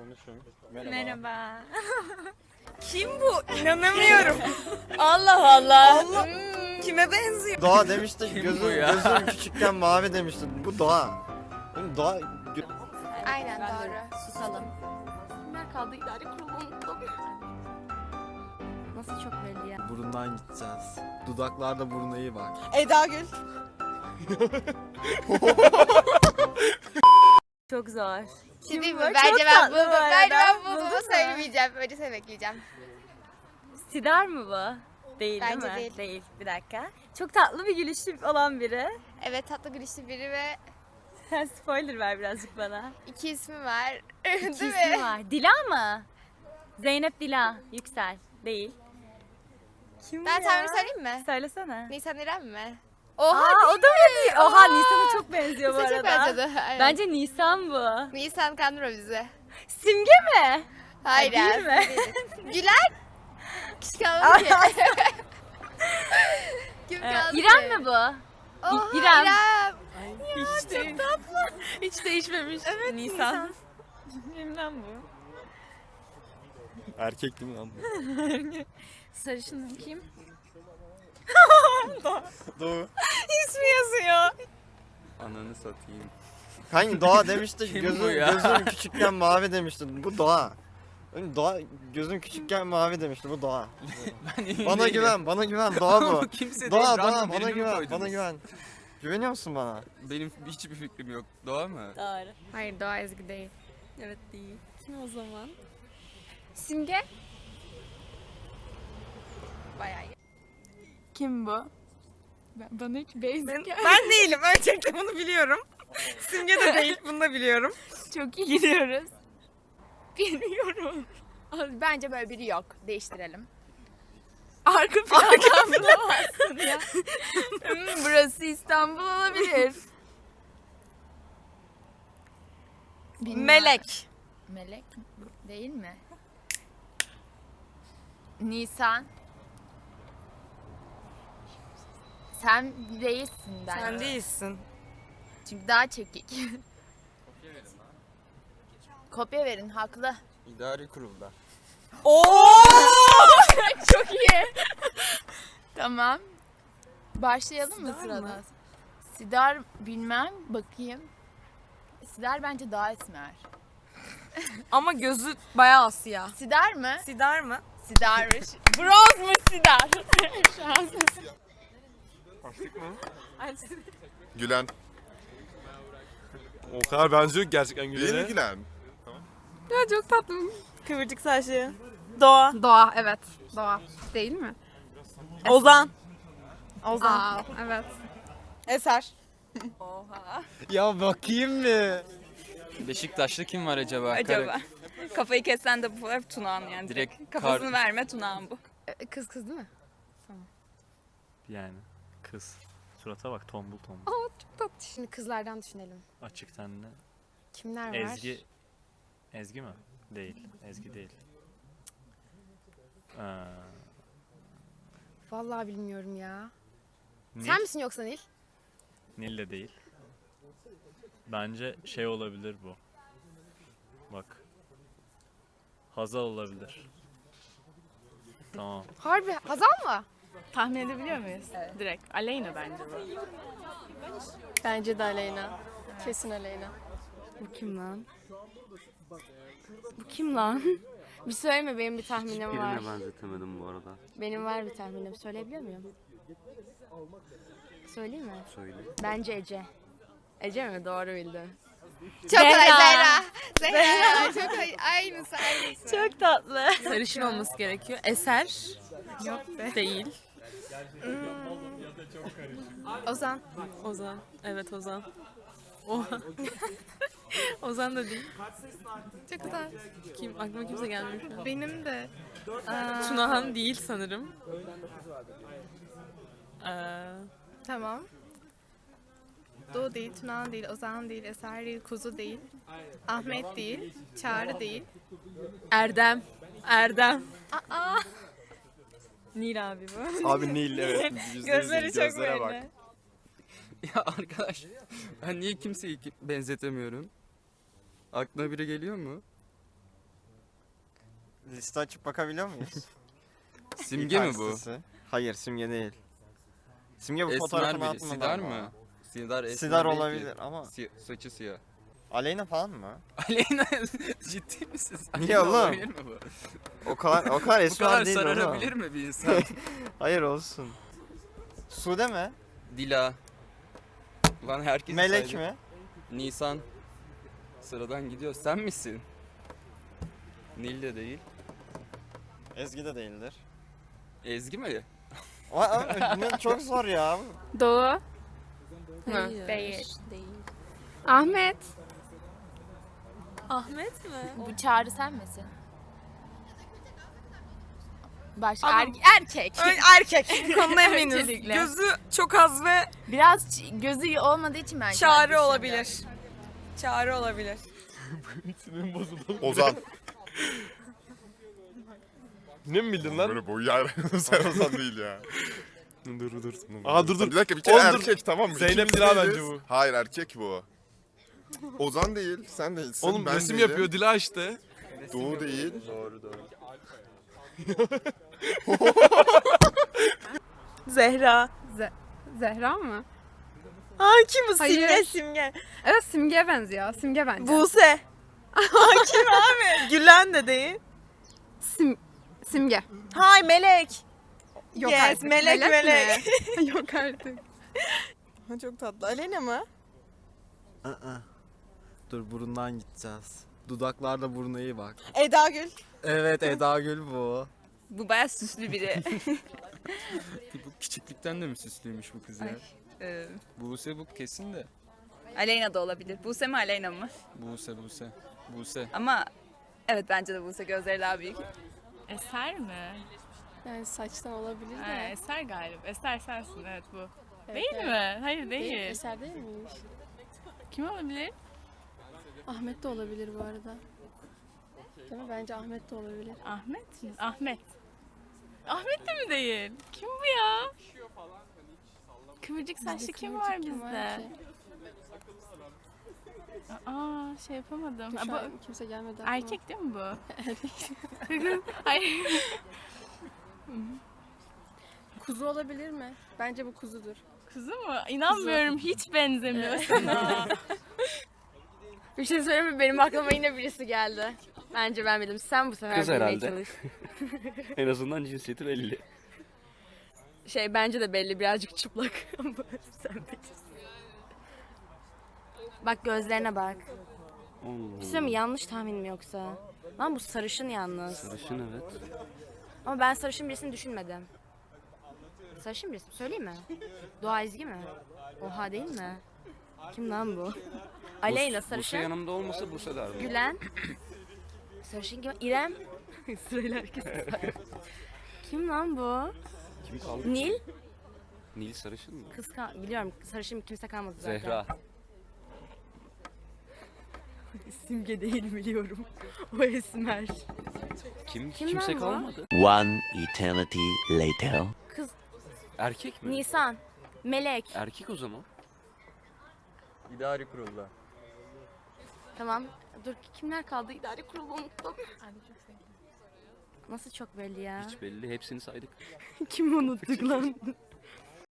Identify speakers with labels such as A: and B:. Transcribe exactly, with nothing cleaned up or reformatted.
A: Konuşun. Merhaba.
B: Merhaba. Kim bu? İnanamıyorum. Allah Allah. Allah. Hmm, kime benziyor?
A: Doğa demişti.
C: Kim bu
A: Gözüm,
C: ya?
A: gözüm küçükken mavi demişti. Bu Doğa. Oğlum Doğa...
D: Aynen doğru.
B: Susalım.
D: Kimler kaldı? İdare kurulu unuttum.
B: Nasıl çok belli ya?
A: Burundan gideceğiz. Dudaklarda buruna iyi bak.
B: Eda Gül. Çok zor.
D: Şey değil mi?
B: bu?
D: Bence
B: Çok
D: ben
B: tatlı
D: buldum.
B: bu
D: Bence
B: arada.
D: ben
B: Buldun
D: bulduğumu
B: mu?
D: söylemeyeceğim. Önce sen bekleyeceğim.
B: Sidar mı bu? Değil
D: Bence
B: değil mi?
D: değil.
B: Değil. Bir dakika. Çok tatlı bir gülüşlü olan biri.
D: Evet, tatlı gülüşlü biri ve
B: Spoiler ver birazcık bana.
D: iki ismi var.
B: İki
D: Değil
B: ismi
D: mi?
B: var. Dila mı? Zeynep Dila. Yüksel. Değil. Kim
D: Ben
B: bu ya?
D: tahmin söyleyeyim mi?
B: Söylesene.
D: Nisan İrem mi?
B: Oha,
D: Oha
B: Aa, o da mı değil? Oha Nisan'a çok benziyor bu
D: Nisan
B: arada.
D: çok benzedi. Aynen.
B: Bence Nisan bu.
D: Nisan kandırma bizi.
B: Simge mi?
D: Hayır
B: değil
D: ya.
B: mi?
D: Güler. Kişi kalmadı ki. Kim
B: Ee,
D: kaldı
B: İrem
D: ki?
B: mi bu?
D: Oha,
B: İrem.
D: İrem.
E: Hiç değil. tatlı. Hiç değişmemiş.
B: Evet
E: Nisan.
B: Kimden bu?
A: Erkek değil mi lan bu?
B: Sarışın kim?
A: Doğu.
B: İsmi yazıyor.
C: Ananı satayım.
A: Hangi Doğa demişti.
C: Kim
A: gözüm,
C: bu ya?
A: gözüm küçükken mavi demişti. Bu Doğa. Oğlum Doğa gözüm küçükken mavi demişti. Bu Doğa.
C: Ben emin
A: Bana
C: değilim.
A: güven, bana güven. Doğa
C: Ama
A: bu.
C: kimse
A: Doğa,
C: değil.
A: Doğa,
C: Random
A: bana
C: birini mi
A: güven,
C: koydunuz?
A: bana güven. Güveniyor musun bana?
C: Benim hiçbir fikrim yok. Doğa mı?
B: Doğru.
D: Hayır, Doğa Ezgi değil.
B: Evet değil. Kim o zaman?
D: Simge. Bayağı iyi.
E: Kim bu? Ben, bana hiç basic
B: Ben, ben değilim. Öncelikle bunu biliyorum. Simge de değil. Bunu da biliyorum.
E: çok iyi gidiyoruz.
B: Bilmiyorum.
D: Bence böyle biri yok. Değiştirelim.
E: Arka plandan bulamazsın ya. Hmm, burası İstanbul olabilir. Bilmem.
B: Melek.
E: Melek değil mi? Nisan. Sen değilsin bence.
B: Sen değilsin.
E: Çünkü daha çekik. Kopya verin, haklı.
C: İdari kurulda.
B: Oo!
E: Çok iyi. Tamam. Başlayalım mı
B: Sidar
E: sırada?
B: mı?
E: Sidar bilmem, bakayım. Sidar bence daha esmer.
B: Ama gözü bayağı siyah.
E: Sidar mı?
B: Sidar mı?
E: Sidarmış. Bronz mu Sidar? Şanslısın.
F: Gülen.
G: O kadar benziyor ki gerçekten
F: Değil mi
G: Gülen'e.
F: Gülen?
B: Ya çok tatlı. Kıvırcık saçlı. Doğa.
D: Doğa, evet. Doğa. Değil mi?
B: Ozan.
D: Aa, evet.
B: Eser.
A: Ya bakayım mı?
C: Beşiktaşlı kim var acaba?
B: Acaba.
C: Kara-
B: Kafayı kessen de bu hep Tunağan yani.
C: Direkt
B: Direkt kafasını
C: kar-
B: verme Tunağan bu.
D: Ee, Kız kız değil mi?
G: Yani kız. Surata bak tombul tombul.
D: Aa, çok tatlı. Şimdi kızlardan düşünelim.
G: Açık tenli.
D: Kimler var?
G: Ezgi. Ezgi mi? Değil. Ezgi değil. Ee,
D: Vallahi bilmiyorum ya.
G: Nil.
D: Sen misin yoksa Nil?
G: Nil de değil. Bence şey olabilir bu. Bak. Hazal olabilir. Tamam.
D: Harbi Hazal mı?
E: Tahmin edebiliyor muyuz? Direkt. Aleyna bence bu.
D: Bence de Aleyna. Kesin Aleyna.
E: Bu kim lan? Bu kim lan?
D: Bir söyleme, benim bir tahminim var.
C: Birine benzetemedim bu arada.
D: Benim var bir tahminim. Söyleyebiliyor muyum? Söyleyeyim mi?
C: Söyle.
D: Bence Ece. Ece mi? Doğru bildi. Çok
B: Zehra.
D: kolay Zehra. Zehra. Çok kolay. Aynısı aynısı.
B: Çok tatlı.
E: Sarışın olması gerekiyor. Eser. Yok be. Değil.
D: Ozan.
E: Ozan. Evet Ozan. Oha. Ozan da değil.
D: Çok güzel.
E: Kim? Aklıma kimse gelmiyor şu an.
D: Benim de.
E: Tunahan değil sanırım. Ee,
H: Tamam. Doğu değil, Tunahan değil, Ozan değil, Eser değil, Kuzu değil, Ahmet değil, Çağrı değil.
E: Erdem. Erdem.
D: Aa.
B: Nil abi bu.
A: Abi Nil evet. Yüzde yüz
B: Gözleri
A: Nil,
B: çok
A: gözlere bak.
B: belli.
C: Ya arkadaş ben niye kimseyi ki- benzetemiyorum? Aklına biri geliyor mu?
A: Liste açıp bakabiliyor muyuz?
C: Simge mi bu?
A: İKS'si. Hayır simge değil. Simge bu
C: Esmer
A: fotoğrafını
C: biri.
A: atmadı
C: Sidar
A: ama.
C: mı? Sidar esmer
A: Sidar
C: değil ki.
A: olabilir ama.
C: Si- saçı siyah.
A: Aleyna falan mı?
C: Aleyna ciddi misin? sen?
A: Niye oğlum?
C: Olabilir mi bu?
A: O kadar o kadar
C: Bu
A: esmer
C: kadar
A: değil
C: sararabilir
A: oğlum.
C: mi bir insan?
A: Hayır olsun. Sude mi?
C: Dila. Lan herkes
A: Melek mi?
C: Nisan. Sıradan gidiyor. Sen misin? Nil de değil.
A: Ezgi de değildir.
C: Ezgi mi?
A: Aa, ne- çok zor ya.
E: Doğu.
D: Hayır.
B: Değil.
D: Değil.
E: Ahmet.
B: Ahmet mi?
D: Bu Çağrı sen misin? Başka
F: Ama-
D: er- erkek.
F: Erkek. Konuda eminiz.
D: Öncelikle.
F: Gözü çok az ve
D: Biraz ç- gözü olmadığı için ben
F: çağrı
D: düşündüm.
F: olabilir. Çağrı olabilir.
I: Ozan.
J: Ne mi bildin lan?
I: Böyle boyu yer. Sen Ozan değil ya.
J: Dur dur. Aa dur dur.
I: Bir dakika bir kere
J: Oğlum dur.
I: erkek tamam mı?
J: Zeynep
I: İkimiz
J: Dila
I: değiliz.
J: bence bu.
I: Hayır erkek bu. Ozan değil, sen değilsin.
J: Oğlum
I: ben
J: resim
I: değilim.
J: yapıyor Dila işte.
I: Doğu değil.
C: Doğru doğru.
F: Zehra.
E: Zehra mı?
F: Aa kim bu?
E: Hayır.
F: Simge Simge.
E: Evet Simge'ye benziyor. Simge bence.
F: Buse. Aa kim abi? Gülen de değil.
E: Sim Simge.
F: Hay Melek.
E: Yok
F: Yes,
E: artık.
F: melek,
E: mi?
F: melek.
E: Yok artık.
F: Ha, çok tatlı. Aleyna mı?
A: Aa. Dur burundan gideceğiz. Dudaklarda buruna iyi bak.
F: Eda Gül.
A: Evet Eda Gül bu.
D: Bu bayağı süslü biri.
C: Bu küçüklükten de mi süslüymüş bu kız ya?
D: Ee,
C: Buse bu kesin de.
D: Aleyna da olabilir. Buse mi Aleyna mı?
C: Buse Buse. Buse.
D: Ama evet bence de Buse gözleri daha büyük.
K: Eser mi?
E: Yani saçtan olabilir
K: Ha,
E: de.
K: Eser galiba. Eser sensin evet bu.
E: Evet,
K: değil
E: evet.
K: mi? Hayır değil.
E: Eser değil miymiş?
K: Kim olabilir?
E: Ahmet de olabilir bu arada. Değil mi? Bence Ahmet de olabilir.
K: Ahmet mi? Ahmet. Ahmet de mi değil? Kim bu ya? Kıvırcık saçlı
E: Bizde
K: kim
E: kıvırcık
K: var bizde?
E: ki?
K: Aa şey yapamadım.
E: Dur,
K: Aa,
E: şu
K: bu
E: an kimse gelmedi aklıma.
K: erkek değil mi bu? Hayır.
E: Kuzu olabilir mi? Bence bu kuzudur.
K: Kuzu mu? İnanmıyorum hiç benzemiyor sana.
D: Bir şey söyleyeyim mi? Benim aklıma yine birisi geldi. Bence ben bildim. Sen bu sefer
C: Kız
D: bilmeye
C: herhalde.
D: çalış.
C: En azından cinsiyeti belli.
D: Şey bence de belli birazcık çıplak. Ama sen bilirsin. Bak gözlerine bak. Bir şey söyleyeyim mi? Yanlış tahmin mi yoksa? Lan bu sarışın yalnız.
C: Sarışın evet.
D: Ama ben sarışın birisini düşünmedim. Sarışın birisi mi? Söyleyeyim mi? Doğa Ezgi mi? Oha değil mi? Kim lan bu? Aleyna
C: Buse
D: sarışın.
C: yanımda olmasa Buse derdim.
D: Gülen. Sarışın kim? İrem. Sırayla herkes sayıyor. Kim lan bu?
C: Kim kaldı?
D: Nil.
C: Nil sarışın mı?
D: Kız kal- biliyorum sarışın kimse kalmadı zaten.
C: Zehra.
D: Simge değil biliyorum. O esmer.
C: Kim?
D: Kim
C: Kimse
D: lan bu?
C: kalmadı.
L: One eternity later.
D: Kız
C: Erkek mi?
D: Nisan. Melek.
C: Erkek o zaman. İdari kurulda.
D: Tamam. Dur kimler kaldı? İdare kurulu unuttum. Nasıl çok belli ya?
C: Hiç belli. Hepsini saydık.
D: Kim unuttuk lan?